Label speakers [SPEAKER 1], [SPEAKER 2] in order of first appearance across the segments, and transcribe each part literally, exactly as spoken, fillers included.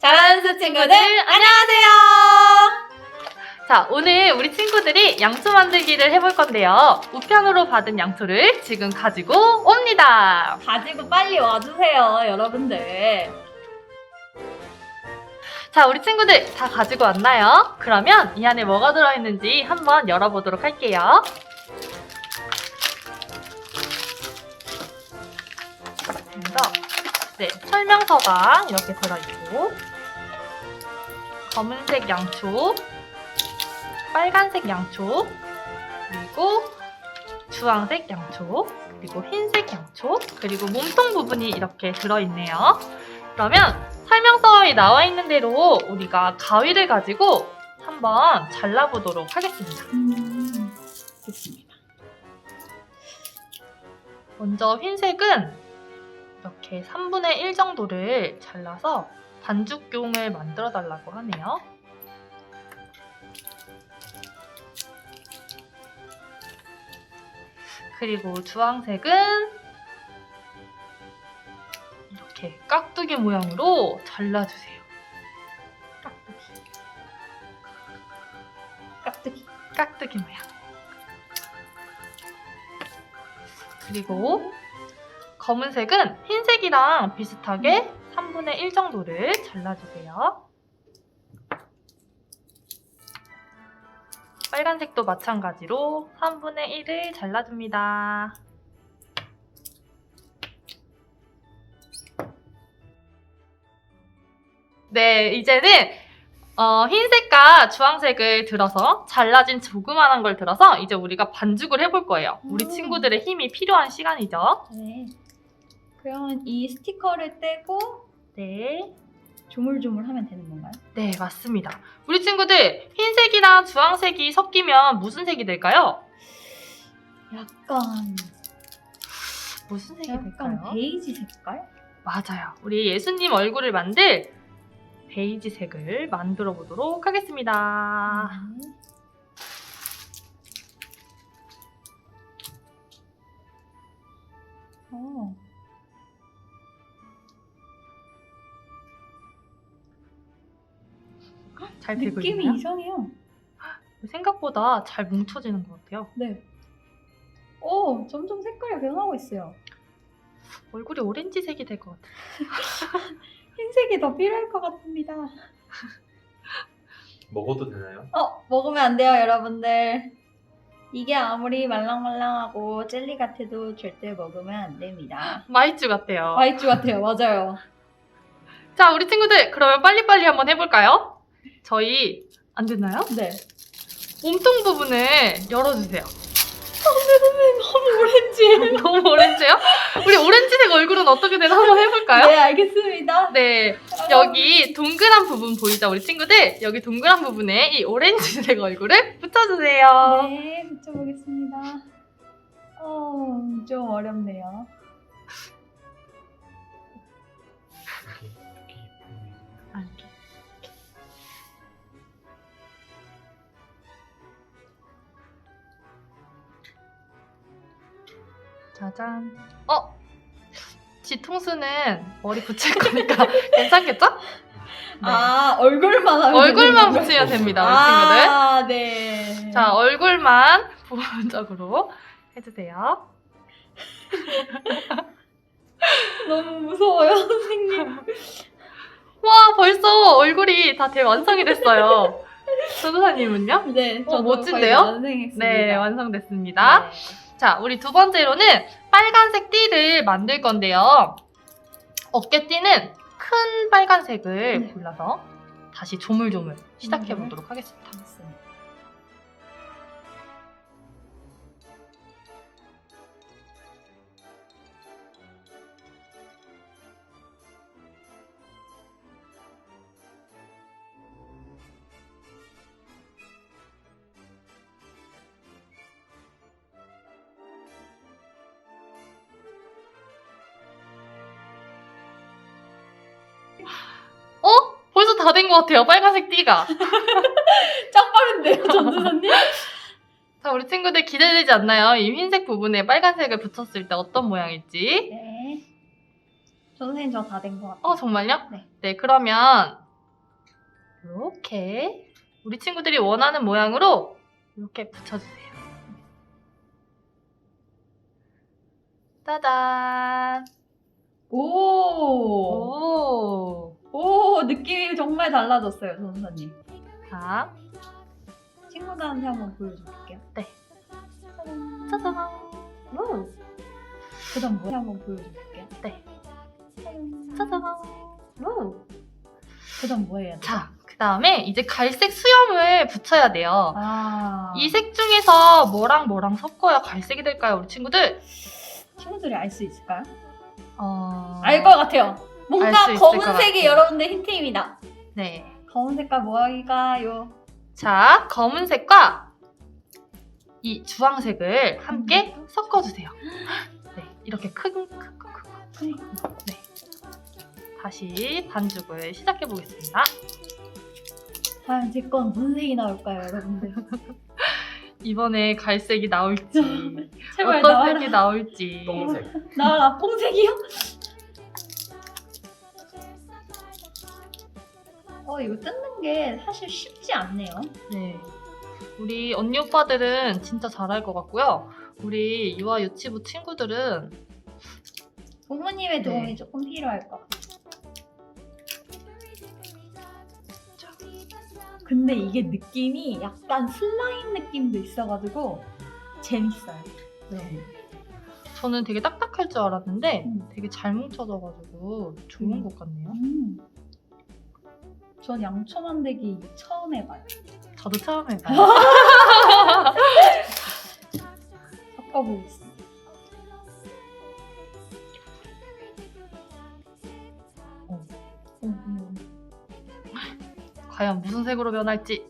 [SPEAKER 1] 잘하는 수 친구들 안녕하세요.
[SPEAKER 2] 자, 오늘 우리 친구들이 양초 만들기를 해볼 건데요. 우편으로 받은 양초를 지금 가지고 옵니다.
[SPEAKER 1] 가지고 빨리 와주세요, 여러분들.
[SPEAKER 2] 자, 우리 친구들 다 가지고 왔나요? 그러면 이 안에 뭐가 들어있는지 한번 열어보도록 할게요. 그래서 네, 설명서가 이렇게 들어있고 검은색 양초, 빨간색 양초, 그리고 주황색 양초, 그리고 흰색 양초, 그리고 몸통 부분이 이렇게 들어있네요. 그러면 설명서에 나와 있는 대로 우리가 가위를 가지고 한번 잘라보도록 하겠습니다.
[SPEAKER 1] 음, 좋습니다.
[SPEAKER 2] 먼저 흰색은 이렇게 삼분의 일 정도를 잘라서 반죽용을 만들어 달라고 하네요. 그리고 주황색은 이렇게 깍두기 모양으로 잘라주세요. 깍두기.
[SPEAKER 1] 깍두기.
[SPEAKER 2] 깍두기 모양. 그리고 검은색은 흰색이랑 비슷하게 삼분의 일 정도를 잘라주세요. 빨간색도 마찬가지로 삼분의 일을 잘라줍니다. 네, 이제는 어, 흰색과 주황색을 들어서 잘라진 조그만한 걸 들어서 이제 우리가 반죽을 해볼 거예요. 우리
[SPEAKER 1] 음.
[SPEAKER 2] 친구들의 힘이 필요한 시간이죠.
[SPEAKER 1] 네. 그러면 이 스티커를 떼고
[SPEAKER 2] 네.
[SPEAKER 1] 조물조물 하면 되는 건가요?
[SPEAKER 2] 네, 맞습니다. 우리 친구들 흰색이랑 주황색이 섞이면 무슨 색이 될까요?
[SPEAKER 1] 약간
[SPEAKER 2] 무슨 색이
[SPEAKER 1] 약간
[SPEAKER 2] 될까요?
[SPEAKER 1] 베이지 색깔?
[SPEAKER 2] 맞아요. 우리 예수님 얼굴을 만들 베이지 색을 만들어 보도록 하겠습니다.
[SPEAKER 1] 네. 어.
[SPEAKER 2] 잘 되고
[SPEAKER 1] 느낌이
[SPEAKER 2] 있나요?
[SPEAKER 1] 이상해요.
[SPEAKER 2] 생각보다 잘 뭉쳐지는 것 같아요.
[SPEAKER 1] 네. 오, 점점 색깔이 변하고 있어요.
[SPEAKER 2] 얼굴이 오렌지색이 될 것 같아요.
[SPEAKER 1] 흰색이 더 필요할 것 같습니다.
[SPEAKER 3] 먹어도 되나요?
[SPEAKER 1] 어, 먹으면 안 돼요, 여러분들. 이게 아무리 말랑말랑하고 젤리 같아도 절대 먹으면 안 됩니다.
[SPEAKER 2] 마이쮸 같아요.
[SPEAKER 1] 와이츠 같아요, 맞아요.
[SPEAKER 2] 자, 우리 친구들 그러면 빨리빨리 한번 해볼까요? 저희 안 됐나요?
[SPEAKER 1] 네.
[SPEAKER 2] 몸통 부분을 열어주세요.
[SPEAKER 1] 너무 오렌지.
[SPEAKER 2] 너무 오렌지요? 우리 오렌지색 얼굴은 어떻게 되나 한번 해볼까요?
[SPEAKER 1] 네, 알겠습니다.
[SPEAKER 2] 네, 여기 동그란 부분 보이죠, 우리 친구들? 여기 동그란 부분에 이 오렌지색 얼굴을 붙여주세요.
[SPEAKER 1] 네, 붙여보겠습니다. 어, 좀 어렵네요.
[SPEAKER 2] 아, 이렇게. 짜잔. 어? 뒤통수는 머리 붙일 거니까 괜찮겠죠? 네.
[SPEAKER 1] 아, 얼굴만 하면
[SPEAKER 2] 얼굴만
[SPEAKER 1] 되는
[SPEAKER 2] 붙이면
[SPEAKER 3] 건가요?
[SPEAKER 2] 됩니다, 우리 친구들.
[SPEAKER 1] 아, 네.
[SPEAKER 2] 자, 얼굴만 부분적으로 해주세요.
[SPEAKER 1] 너무 무서워요, 선생님.
[SPEAKER 2] 와, 벌써 얼굴이 다 대완성이 됐어요. 전도사님은요?
[SPEAKER 1] 네, 저도
[SPEAKER 2] 멋진데요?
[SPEAKER 1] 거의 완성했습니다.
[SPEAKER 2] 네, 완성됐습니다.
[SPEAKER 1] 네.
[SPEAKER 2] 자, 우리 두 번째로는 빨간색 띠를 만들 건데요. 어깨띠는 큰 빨간색을
[SPEAKER 1] 네.
[SPEAKER 2] 골라서 다시 조물조물 시작해
[SPEAKER 1] 음.
[SPEAKER 2] 보도록 하겠습니다.
[SPEAKER 1] 맞습니다.
[SPEAKER 2] 어? 벌써 다 된 것 같아요, 빨간색 띠가.
[SPEAKER 1] 짱 빠른데요, 전도사님?
[SPEAKER 2] 자, 우리 친구들 기대되지 않나요? 이 흰색 부분에 빨간색을 붙였을 때 어떤 모양일지.
[SPEAKER 1] 네. 선생님 저 다 된 것 같아요.
[SPEAKER 2] 어, 정말요?
[SPEAKER 1] 네.
[SPEAKER 2] 네, 그러면 이렇게 우리 친구들이 원하는 모양으로 이렇게 붙여주세요. 짜잔!
[SPEAKER 1] 오,
[SPEAKER 2] 오!
[SPEAKER 1] 오, 느낌이 정말 달라졌어요, 전사님.
[SPEAKER 2] 자,
[SPEAKER 1] 친구들한테 한번 보여줄게요.
[SPEAKER 2] 네.
[SPEAKER 1] 짜잔.
[SPEAKER 2] 짜잔! 오!
[SPEAKER 1] 그다음 뭐 한번 보여줄게요.
[SPEAKER 2] 네.
[SPEAKER 1] 짜잔.
[SPEAKER 2] 짜잔! 오!
[SPEAKER 1] 그다음 뭐 해야 돼?
[SPEAKER 2] 자, 그 다음에 이제 갈색 수염을 붙여야 돼요.
[SPEAKER 1] 아,
[SPEAKER 2] 이 색 중에서 뭐랑 뭐랑 섞어야 갈색이 될까요, 우리 친구들?
[SPEAKER 1] 친구들이 알 수 있을까요?
[SPEAKER 2] 어...
[SPEAKER 1] 알 것 같아요. 뭔가
[SPEAKER 2] 알수 있을 것
[SPEAKER 1] 검은색이
[SPEAKER 2] 같아요.
[SPEAKER 1] 여러분들 힌트입니다.
[SPEAKER 2] 네.
[SPEAKER 1] 검은 색깔 뭐일까요?
[SPEAKER 2] 자, 검은색과 이 주황색을 함께
[SPEAKER 1] 음.
[SPEAKER 2] 섞어주세요. 네, 이렇게 큰, 큰, 큰, 큰. 네. 다시 반죽을 시작해 보겠습니다.
[SPEAKER 1] 과연 제 건 무슨 색이 나올까요, 여러분들?
[SPEAKER 2] 이번에 갈색이 나올지,
[SPEAKER 1] 제발
[SPEAKER 2] 어떤
[SPEAKER 1] 나와라.
[SPEAKER 2] 색이 나올지.
[SPEAKER 3] 똥색.
[SPEAKER 1] 나와라. 뽕색이요? 어, 이거 뜯는 게 사실 쉽지 않네요.
[SPEAKER 2] 네. 우리 언니 오빠들은 진짜 잘할 것 같고요. 우리 유아 유치부 친구들은
[SPEAKER 1] 부모님의 도움이
[SPEAKER 2] 네.
[SPEAKER 1] 조금 필요할 것 같아요. 근데 이게 느낌이 약간 슬라임 느낌도 있어가지고 재밌어요.
[SPEAKER 2] 네. 저는 되게 딱딱할 줄 알았는데
[SPEAKER 1] 음.
[SPEAKER 2] 되게 잘 뭉쳐져가지고 좋은
[SPEAKER 1] 음.
[SPEAKER 2] 것 같네요.
[SPEAKER 1] 음. 전 양초 만들기 처음 해봐요.
[SPEAKER 2] 저도 처음 해봐요.
[SPEAKER 1] 섞어보겠습니다.
[SPEAKER 2] 어.
[SPEAKER 1] 음, 음.
[SPEAKER 2] 과연 무슨 색으로 변할지.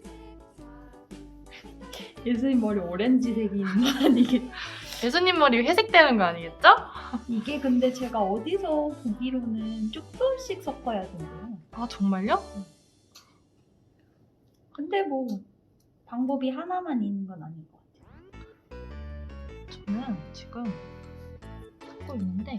[SPEAKER 1] 예수님 머리 오렌지색이 있는 거 아니겠지?
[SPEAKER 2] 예수님 머리 회색되는 거 아니겠죠?
[SPEAKER 1] 이게 근데 제가 어디서 보기로는 조금씩 섞어야 된대요.
[SPEAKER 2] 아 정말요?
[SPEAKER 1] 근데 뭐 방법이 하나만 있는 건 아닌 것 같아요.
[SPEAKER 2] 저는 지금 섞고 있는데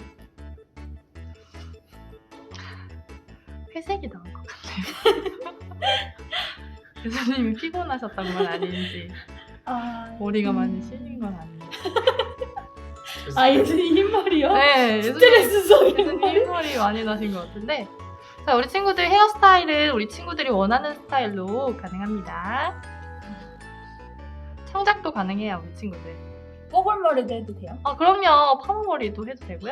[SPEAKER 2] 회색이 나온 것 같아요. 예수님이 피곤하셨던 건 아닌지
[SPEAKER 1] 아,
[SPEAKER 2] 머리가
[SPEAKER 1] 음.
[SPEAKER 2] 많이 실린 건 아닌지.
[SPEAKER 1] 아 예수님 흰머리요?
[SPEAKER 2] 네, 예수님,
[SPEAKER 1] 스트레스 속에
[SPEAKER 2] 예수님
[SPEAKER 1] 머리.
[SPEAKER 2] 흰머리 많이 나신 것 같은데. 자, 우리 친구들 헤어스타일은 우리 친구들이 원하는 스타일로 가능합니다. 청작도 가능해요, 우리 친구들.
[SPEAKER 1] 뽀글머리도 해도 돼요?
[SPEAKER 2] 아, 그럼요. 파마머리도 해도 되고요.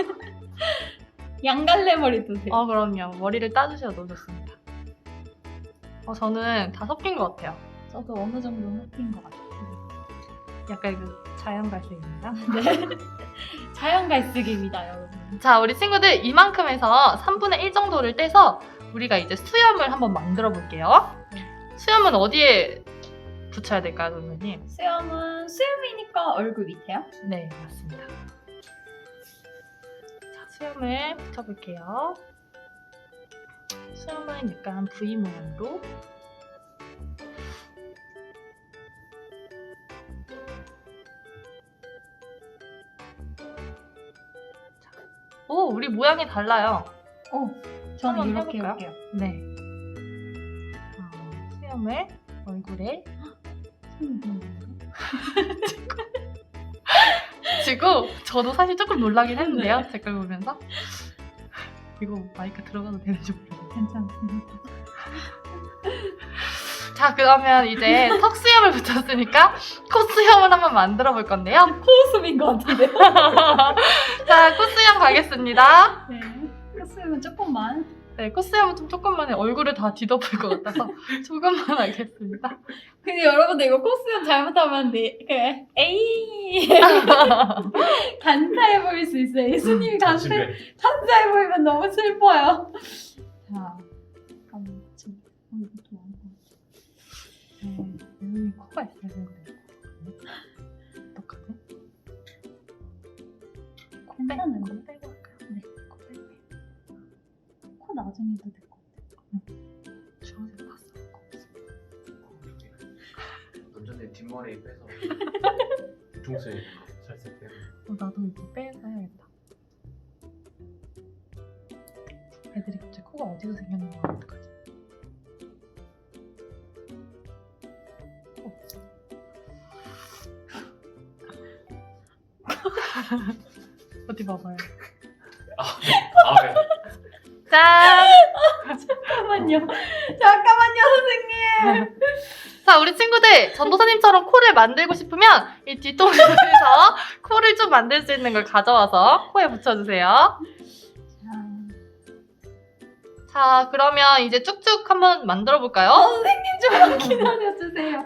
[SPEAKER 1] 양갈래 머리도 돼요?
[SPEAKER 2] 어, 그럼요. 머리를 따주셔도 좋습니다. 어, 저는 다 섞인 것 같아요.
[SPEAKER 1] 저도 어느 정도 섞인 것 같아요.
[SPEAKER 2] 약간 그 자연 갈색입니다.
[SPEAKER 1] 네. 자연 갈색입니다, 여러분.
[SPEAKER 2] 자, 우리 친구들 이만큼 해서 삼분의 일 정도를 떼서 우리가 이제 수염을 한번 만들어 볼게요. 수염은 어디에 붙여야 될까요, 선생님?
[SPEAKER 1] 수염은 수염이니까 얼굴 밑에요?
[SPEAKER 2] 네, 맞습니다. 자, 수염을 붙여볼게요. 수염은 약간 V 모양으로. 자, 오, 우리 모양이 달라요.
[SPEAKER 1] 어, 저는
[SPEAKER 2] 한번
[SPEAKER 1] 이렇게
[SPEAKER 2] 해볼까요?
[SPEAKER 1] 해볼게요.
[SPEAKER 2] 네. 어, 수염을 얼굴에 지고 저도 사실 조금 놀라긴 했는데요.
[SPEAKER 1] 네.
[SPEAKER 2] 댓글 보면서 이거 마이크 들어가도 되는지 모르겠어요.
[SPEAKER 1] 괜찮습니다.
[SPEAKER 2] 자, 그러면 이제 턱 수염을 붙였으니까 코 수염을 한번 만들어 볼 건데요.
[SPEAKER 1] 코웃음인 것 같은데요?
[SPEAKER 2] 자, 코 수염 가겠습니다.
[SPEAKER 1] 네. 코웃음은 조금만.
[SPEAKER 2] 네, 코 수염은 좀 조금만 해. 얼굴을 다 뒤덮을 것 같아서 조금만 하겠습니다.
[SPEAKER 1] 근데 여러분들 이거 코웃음 잘못하면 네, 그 에이 간사해 보일 수 있어요. 예수님이 간사
[SPEAKER 3] 집에
[SPEAKER 1] 간사해 보이면 너무 슬퍼요. 자, 잠깐만 지금 어, 이것도 많아.
[SPEAKER 2] 음, 예수님 코가 있어야 되는 거예요. 어떡하지? 코 빼,
[SPEAKER 1] 괜찮은데?
[SPEAKER 2] 코 빼고 할까요? 네, 코 빼고.
[SPEAKER 1] 코 나중에 해도 될 것 같아요.
[SPEAKER 2] 주황색 봤어.
[SPEAKER 3] 남자네 뒷머리 빼서 중세 살색 빼고.
[SPEAKER 2] 어, 나도 이거 빼서 해야겠다. 애들이 갑자기 코가 어디서 생겼는 거 어떡하지? 어디 봐봐요.
[SPEAKER 3] 아, 네.
[SPEAKER 2] 짠!
[SPEAKER 1] 잠깐만요. 잠깐만요, 선생님.
[SPEAKER 2] 자, 우리 친구들 전도사님처럼 코를 만들고 싶으면 이 뒤통수에서 코를 좀 만들 수 있는 걸 가져와서 코에 붙여주세요. 자, 그러면 이제 쭉쭉 한번 만들어 볼까요?
[SPEAKER 1] 어, 선생님 좀만 기다려주세요.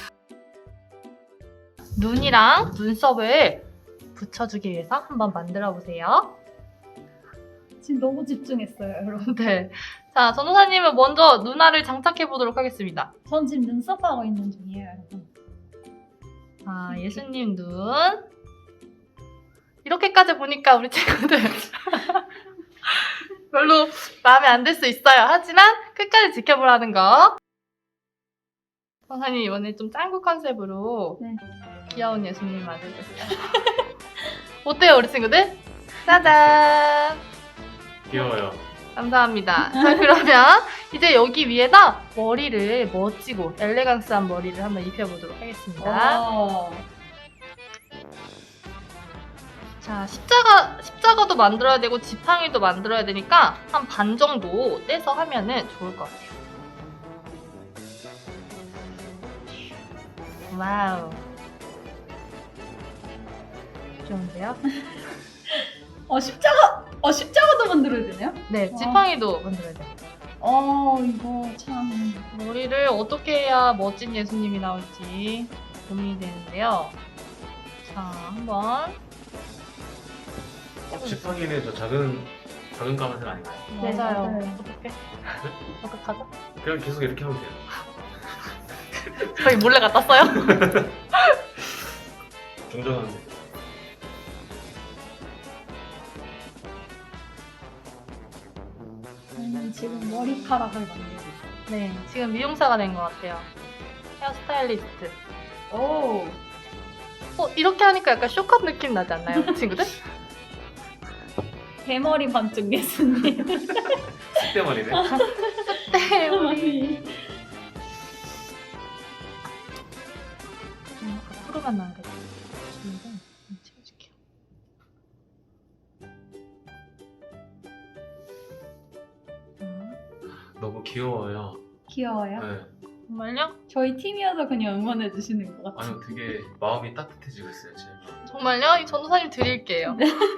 [SPEAKER 2] 눈이랑 눈썹을 붙여주기 위해서 한번 만들어 보세요.
[SPEAKER 1] 지금 너무 집중했어요, 여러분.
[SPEAKER 2] 네. 자, 전도사님은 먼저 눈알을 장착해 보도록 하겠습니다.
[SPEAKER 1] 전 지금 눈썹 하고 있는 중이에요, 여러분.
[SPEAKER 2] 아, 예수님 눈. 이렇게까지 보니까 우리 친구들 별로 마음에 안 들 수 있어요. 하지만 끝까지 지켜보라는 거. 선생님 이번에 좀 짱구 컨셉으로
[SPEAKER 1] 네.
[SPEAKER 2] 귀여운 예수님 만들었어요. 어때요, 우리 친구들? 짜잔!
[SPEAKER 3] 귀여워요.
[SPEAKER 2] 감사합니다. 자, 그러면 이제 여기 위에다 머리를 멋지고 엘레강스한 머리를 한번 입혀보도록 하겠습니다.
[SPEAKER 1] 오.
[SPEAKER 2] 자, 십자가, 십자가도 만들어야 되고 지팡이도 만들어야 되니까 한 반 정도 떼서 하면은 좋을 것 같아요. 와우. 좋은데요?
[SPEAKER 1] 어, 십자가, 어, 십자가도 만들어야 되네요?
[SPEAKER 2] 네,
[SPEAKER 1] 와.
[SPEAKER 2] 지팡이도 만들어야 돼요.
[SPEAKER 1] 어, 이거 참.
[SPEAKER 2] 머리를 어떻게 해야 멋진 예수님이 나올지 고민이 되는데요. 자, 한번.
[SPEAKER 3] 지팡이는 저 작은 작은 까만색 아닌가요?
[SPEAKER 1] 네,
[SPEAKER 2] 맞아요.
[SPEAKER 1] 맞아요.
[SPEAKER 2] 어떻게? 어떡하죠?
[SPEAKER 3] 그냥 계속 이렇게 하면 돼요.
[SPEAKER 2] 저희 몰래 갖다 써요?
[SPEAKER 3] 정정한데.
[SPEAKER 1] 저는 지금 머리카락을 만들고 있어요.
[SPEAKER 2] 네, 지금 미용사가 된 것 같아요. 헤어스타일리스트.
[SPEAKER 1] 오.
[SPEAKER 2] 어, 이렇게 하니까 약간 쇼컷 느낌 나지 않나요, 친구들?
[SPEAKER 1] 대머리 반쪽 예수님.
[SPEAKER 3] 쑥대머리네.
[SPEAKER 2] 네, 우리.
[SPEAKER 1] 머리.
[SPEAKER 2] 음, 앞으로만 나와야 돼. 친구들, 좀 채워줄게요. 음,
[SPEAKER 3] 너무 귀여워요.
[SPEAKER 1] 귀여워요.
[SPEAKER 3] 네.
[SPEAKER 2] 정말요?
[SPEAKER 1] 저희 팀이어서 그냥 응원해 주시는 것 같아요.
[SPEAKER 3] 아유 되게 마음이 따뜻해지고 있어요 지금.
[SPEAKER 2] 정말요? 이 전도사님 드릴게요.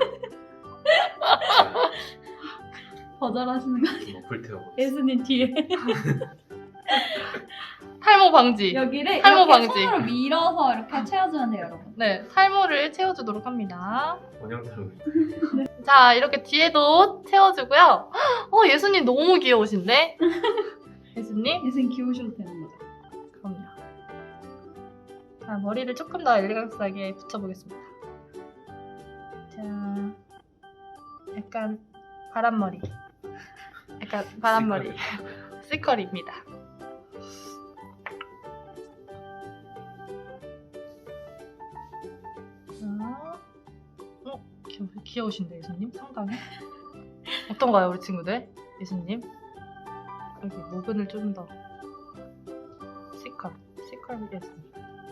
[SPEAKER 1] 거절하시는 거 아니에요?
[SPEAKER 3] 뭐 불태우고.
[SPEAKER 1] 예수님 뒤에.
[SPEAKER 2] 탈모 방지.
[SPEAKER 1] 여기를
[SPEAKER 2] 탈모
[SPEAKER 1] 이렇게
[SPEAKER 2] 방지.
[SPEAKER 1] 손으로 밀어서 이렇게 채워주면 돼요, 여러분.
[SPEAKER 2] 네, 탈모를 채워주도록 합니다.
[SPEAKER 3] 원형탈모.
[SPEAKER 2] 자, 이렇게 뒤에도 채워주고요. 어, 예수님 너무 귀여우신데? 예수님?
[SPEAKER 1] 예수님 귀여우셔도 되는 거죠.
[SPEAKER 2] 그럼요. 자, 머리를 조금 더 엘레강스하게 붙여보겠습니다. 자, 약간 바람머리. 약간 바람머리. 시컬입니다. 자, 어, 귀여, 귀여우신데 예수님? 상당히? 어떤가요, 우리 친구들? 예수님? 여기 모근을 좀 더 시컬, 시컬 예수님.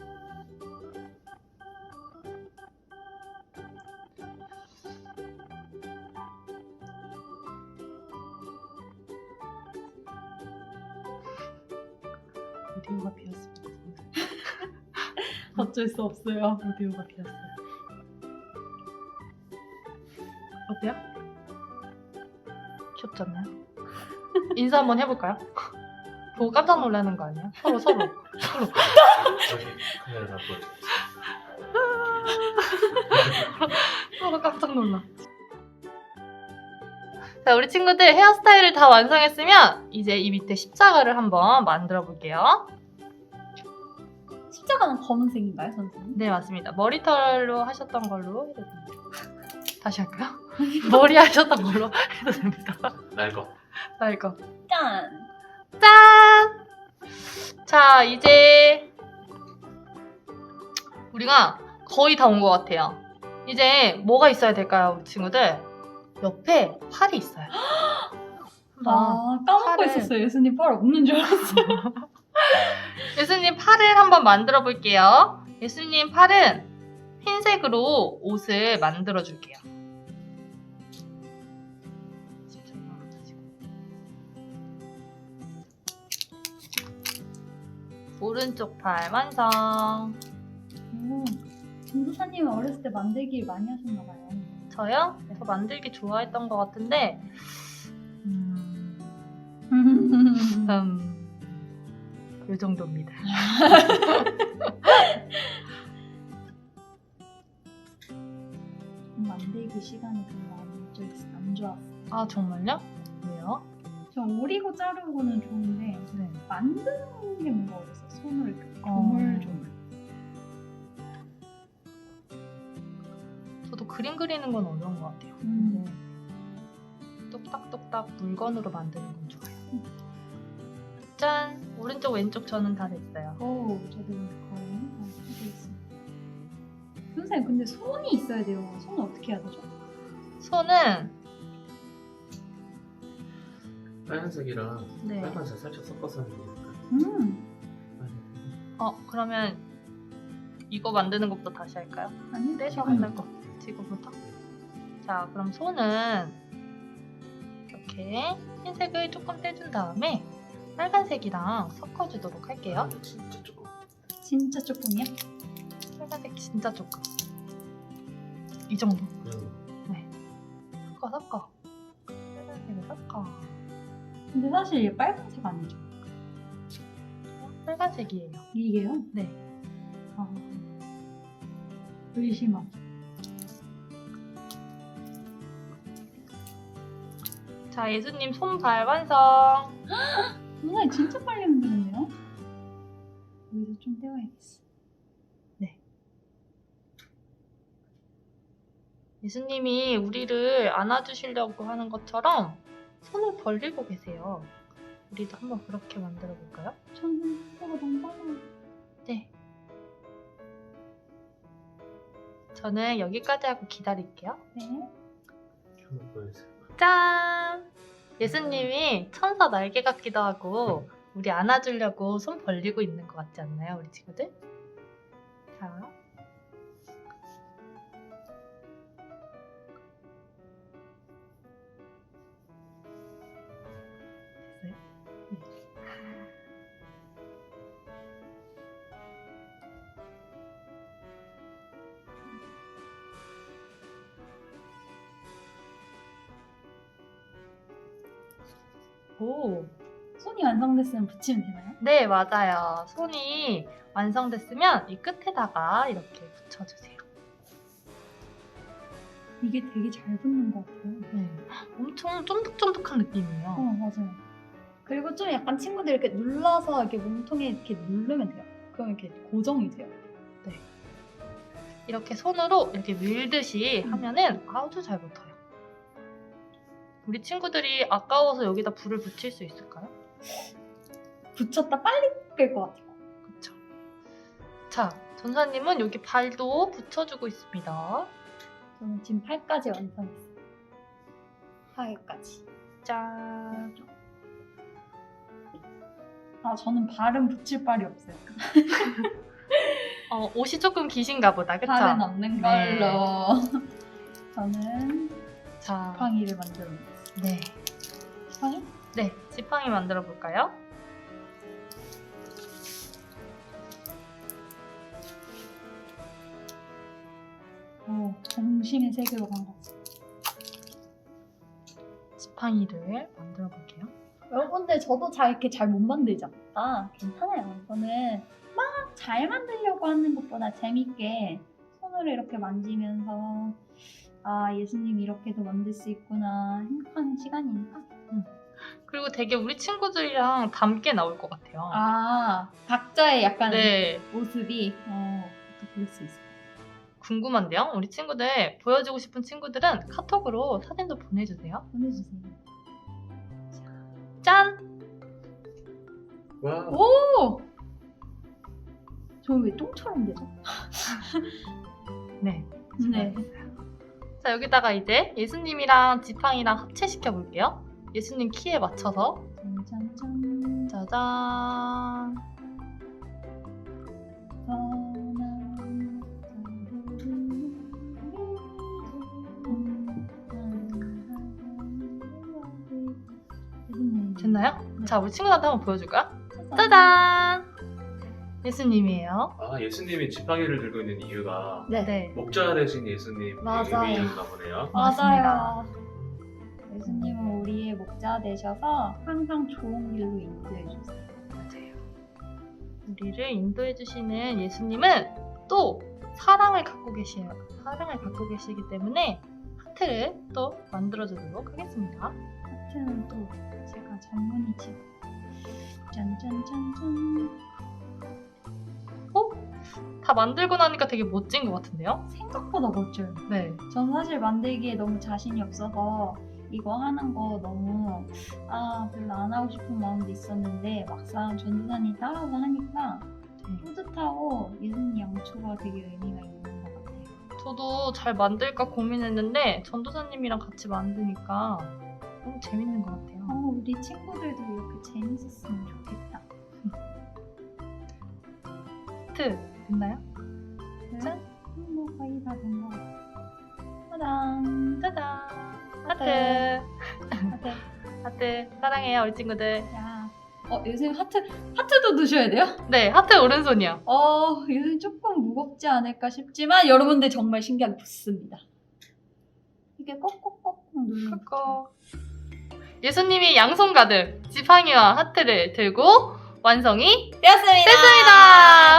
[SPEAKER 2] 오디오가 비었습니다.
[SPEAKER 1] 어쩔 수 없어요.
[SPEAKER 2] 오디오가 비었어요. 어때요? 귀엽지 않나요? 인사 한번 해볼까요? 보고 깜짝 놀라는 거 아니야? 서로 서로 서로.
[SPEAKER 3] 저기 카메라 잡고.
[SPEAKER 2] 서로 깜짝 놀라. 자, 우리 친구들 헤어스타일을 다 완성했으면 이제 이 밑에 십자가를 한번 만들어 볼게요.
[SPEAKER 1] 십자가는 검은색인가요, 선생님?
[SPEAKER 2] 네, 맞습니다. 머리털로 하셨던 걸로 해도 됩니다. 다시 할까요? 머리 하셨던 걸로 해도 됩니다.
[SPEAKER 3] 날 거.
[SPEAKER 2] 나 이거.
[SPEAKER 1] 짠!
[SPEAKER 2] 짠! 자, 이제 우리가 거의 다 온 것 같아요. 이제 뭐가 있어야 될까요, 우리 친구들? 옆에 팔이 있어요. 한번
[SPEAKER 1] 아, 까먹고
[SPEAKER 2] 팔을-
[SPEAKER 1] 있었어요. 예수님 팔 없는 줄 알았어요.
[SPEAKER 2] 예수님 팔을 한번 만들어 볼게요. 예수님 팔은 흰색으로 옷을 만들어 줄게요. 오른쪽 팔 완성.
[SPEAKER 1] 오, 전도사님은 어렸을 때 만들기를 많이 하셨나봐요.
[SPEAKER 2] 저요? 저 만들기 좋아했던 것 같은데 음... 음... 요 정도입니다.
[SPEAKER 1] 만들기 시간이 별로 안, 좋- 안 좋았어요.
[SPEAKER 2] 아 정말요? 왜요?
[SPEAKER 1] 저 오리고 자르고는 좋은데
[SPEAKER 2] 네.
[SPEAKER 1] 만드는 게 뭔가 어렸어요. 손으로 이렇게
[SPEAKER 2] 어.
[SPEAKER 1] 조물조물.
[SPEAKER 2] 저도 그림 그리는 건 어려운 것 같아요.
[SPEAKER 1] 음.
[SPEAKER 2] 근데 똑딱똑딱 물건으로 만드는 건 좋아요. 짠! 오른쪽 왼쪽 저는 다 됐어요.
[SPEAKER 1] 오, 저도 거의 다 하고 있습니다. 선생님, 근데 손이 있어야 돼요. 손은 어떻게 해야 되죠?
[SPEAKER 2] 손은
[SPEAKER 3] 빨간색이랑
[SPEAKER 2] 네.
[SPEAKER 3] 빨간색 살짝 섞어서 하면 되니까.
[SPEAKER 1] 음,
[SPEAKER 2] 어 그러면 이거 만드는 것부터 다시 할까요?
[SPEAKER 1] 아니,
[SPEAKER 2] 떼서
[SPEAKER 1] 지금
[SPEAKER 2] 만들 거 지금부터. 자 그럼 손은 이렇게 흰색을 조금 떼준 다음에 빨간색이랑 섞어주도록 할게요.
[SPEAKER 3] 아, 진짜 조금.
[SPEAKER 1] 진짜 조금이야?
[SPEAKER 2] 빨간색 진짜 조금. 이 정도.
[SPEAKER 3] 그럼
[SPEAKER 2] 섞어 섞어. 빨간색을 섞어.
[SPEAKER 1] 근데 사실 얘 빨간색 아니죠?
[SPEAKER 2] 빨간색이에요.
[SPEAKER 1] 이게요?
[SPEAKER 2] 네.
[SPEAKER 1] 아, 의심함.
[SPEAKER 2] 자 예수님 손발 완성.
[SPEAKER 1] 선생님 진짜 빨리 만드는데요? 여기서 좀 떼어야겠어.
[SPEAKER 2] 예수님이 우리를 안아주시려고 하는 것처럼 손을 벌리고 계세요. 우리도 한번 그렇게 만들어 볼까요?
[SPEAKER 1] 저는 속도가 너무 빨라요.
[SPEAKER 2] 네. 저는 여기까지 하고 기다릴게요.
[SPEAKER 1] 네.
[SPEAKER 3] 한번 보여주세요.
[SPEAKER 2] 짠! 예수님이 천사 날개 같기도 하고 우리 안아주려고 손 벌리고 있는 것 같지 않나요, 우리 친구들? 자. 됐어요? 네. 오.
[SPEAKER 1] 손이 완성됐으면 붙이면 되나요?
[SPEAKER 2] 네, 맞아요. 손이 완성됐으면 이 끝에다가 이렇게 붙여주세요.
[SPEAKER 1] 이게 되게 잘 붙는 것 같아요.
[SPEAKER 2] 네. 엄청 쫀득쫀득한 느낌이에요.
[SPEAKER 1] 어, 맞아요. 그리고 좀 약간 친구들 이렇게 눌러서 이렇게 몸통에 이렇게 누르면 돼요. 그럼 이렇게 고정이 돼요.
[SPEAKER 2] 이렇게 손으로 이렇게 밀듯이
[SPEAKER 1] 음.
[SPEAKER 2] 하면은 아주 잘 붙어요. 우리 친구들이 아까워서 여기다 불을 붙일 수 있을까요?
[SPEAKER 1] 붙였다 빨리 끌 것 같아요.
[SPEAKER 2] 그쵸. 자, 전사님은 여기 발도 붙여주고 있습니다.
[SPEAKER 1] 저는 지금 팔까지 완성했어요. 팔까지.
[SPEAKER 2] 짠.
[SPEAKER 1] 아, 저는 발은 붙일 발이 없어요.
[SPEAKER 2] 어, 옷이 조금 기신가 보다, 그쵸?
[SPEAKER 1] 발은 없는
[SPEAKER 2] 네.
[SPEAKER 1] 걸로. 저는
[SPEAKER 2] 자,
[SPEAKER 1] 지팡이를 만들어 놓았어요.
[SPEAKER 2] 네.
[SPEAKER 1] 지팡이?
[SPEAKER 2] 네, 지팡이 만들어 볼까요?
[SPEAKER 1] 오, 정신의 세계로 간 것 같아요.
[SPEAKER 2] 지팡이를 만들어 볼게요.
[SPEAKER 1] 여러분들 저도 잘 이렇게 잘 못 만들죠? 아, 괜찮아요. 저는 막 잘 만들려고 하는 것보다 재밌게 손으로 이렇게 만지면서 아, 예수님 이렇게도 만들 수 있구나 행복한 시간이니까.
[SPEAKER 2] 그리고 되게 우리 친구들이랑 닮게 나올 것 같아요.
[SPEAKER 1] 아, 각자의 약간
[SPEAKER 2] 네,
[SPEAKER 1] 모습이 어, 또 볼 수 있어요.
[SPEAKER 2] 궁금한데요? 우리 친구들 보여주고 싶은 친구들은 카톡으로 사진도 보내주세요.
[SPEAKER 1] 보내주세요.
[SPEAKER 2] 짠!
[SPEAKER 3] 와.
[SPEAKER 1] 오! 저 왜 똥처럼 되죠?
[SPEAKER 2] 네.
[SPEAKER 1] 네.
[SPEAKER 2] 자, 여기다가 이제 예수님이랑 지팡이랑 합체시켜 볼게요. 예수님 키에 맞춰서.
[SPEAKER 1] 짠짠짠.
[SPEAKER 2] 짜잔!
[SPEAKER 1] 떠난 자들을
[SPEAKER 2] 자, 우리 친구들한테 한번 보여줄까? 짜잔! 예수님이에요.
[SPEAKER 3] 아 예수님이 지팡이를 들고 있는 이유가
[SPEAKER 1] 네.
[SPEAKER 2] 네.
[SPEAKER 3] 목자 되신 예수님
[SPEAKER 1] 맞아요.
[SPEAKER 3] 의미인가 보네요.
[SPEAKER 1] 맞아요. 예수님은 우리의 목자 되셔서 항상 좋은 길로 인도해 주세요.
[SPEAKER 2] 맞아요. 우리를 인도해 주시는 예수님은 또 사랑을 갖고 계셔요. 사랑을 갖고 계시기 때문에 하트를 또 만들어 주도록 하겠습니다.
[SPEAKER 1] 하트는 또 제가 전문이지. 짠짠짠짠.
[SPEAKER 2] 어? 다 만들고 나니까 되게 멋진 것 같은데요?
[SPEAKER 1] 생각보다 멋져요.
[SPEAKER 2] 네.
[SPEAKER 1] 전 사실 만들기에 너무 자신이 없어서 이거 하는 거 너무 아 별로 안 하고 싶은 마음도 있었는데 막상 전도사님 따라서 하니까 뿌듯하고 예수님 양초가 되게 의미가 있는 것 같아요.
[SPEAKER 2] 저도 잘 만들까 고민했는데 전도사님이랑 같이 만드니까 너무 재밌는 것 같아요.
[SPEAKER 1] 어, 우리 친구들도 이렇게 재밌었으면 좋겠다.
[SPEAKER 2] 하트 됐나요?
[SPEAKER 1] 짠! 음, 뭐 거의 다 된 것 같아요. 짜잔!
[SPEAKER 2] 짜잔! 하트!
[SPEAKER 1] 하트.
[SPEAKER 2] 하트 사랑해요 우리 친구들.
[SPEAKER 1] 야. 어, 요즘 하트, 하트도 넣으셔야 돼요?
[SPEAKER 2] 네, 하트 오른손이요.
[SPEAKER 1] 어, 요즘 조금 무겁지 않을까 싶지만 여러분들 정말 신기하게 붙습니다. 이게 꼭꼭꼭 누르면
[SPEAKER 2] 꾹꾹. 예수님이 양손 가득 지팡이와 하트를 들고 완성이
[SPEAKER 1] 되었습니다.
[SPEAKER 2] 됐습니다.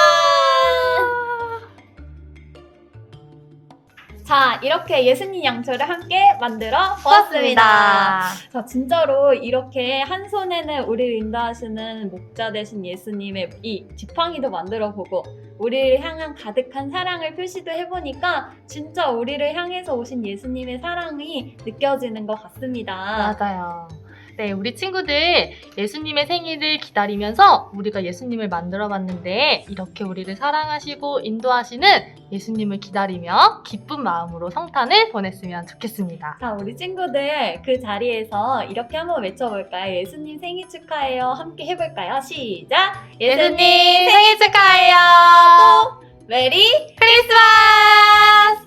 [SPEAKER 1] 자, 이렇게 예수님 양초를 함께 만들어 보았습니다. 자, 진짜로 이렇게 한 손에는 우리를 인도하시는 목자 되신 예수님의 이 지팡이도 만들어 보고 우리를 향한 가득한 사랑을 표시도 해보니까 진짜 우리를 향해서 오신 예수님의 사랑이 느껴지는 것 같습니다.
[SPEAKER 2] 맞아요. 네, 우리 친구들 예수님의 생일을 기다리면서 우리가 예수님을 만들어 봤는데 이렇게 우리를 사랑하시고 인도하시는 예수님을 기다리며 기쁜 마음으로 성탄을 보냈으면 좋겠습니다.
[SPEAKER 1] 자, 우리 친구들 그 자리에서 이렇게 한번 외쳐볼까요? 예수님 생일 축하해요. 함께 해볼까요? 시작! 예수님 생일 축하해요. 또 메리 크리스마스!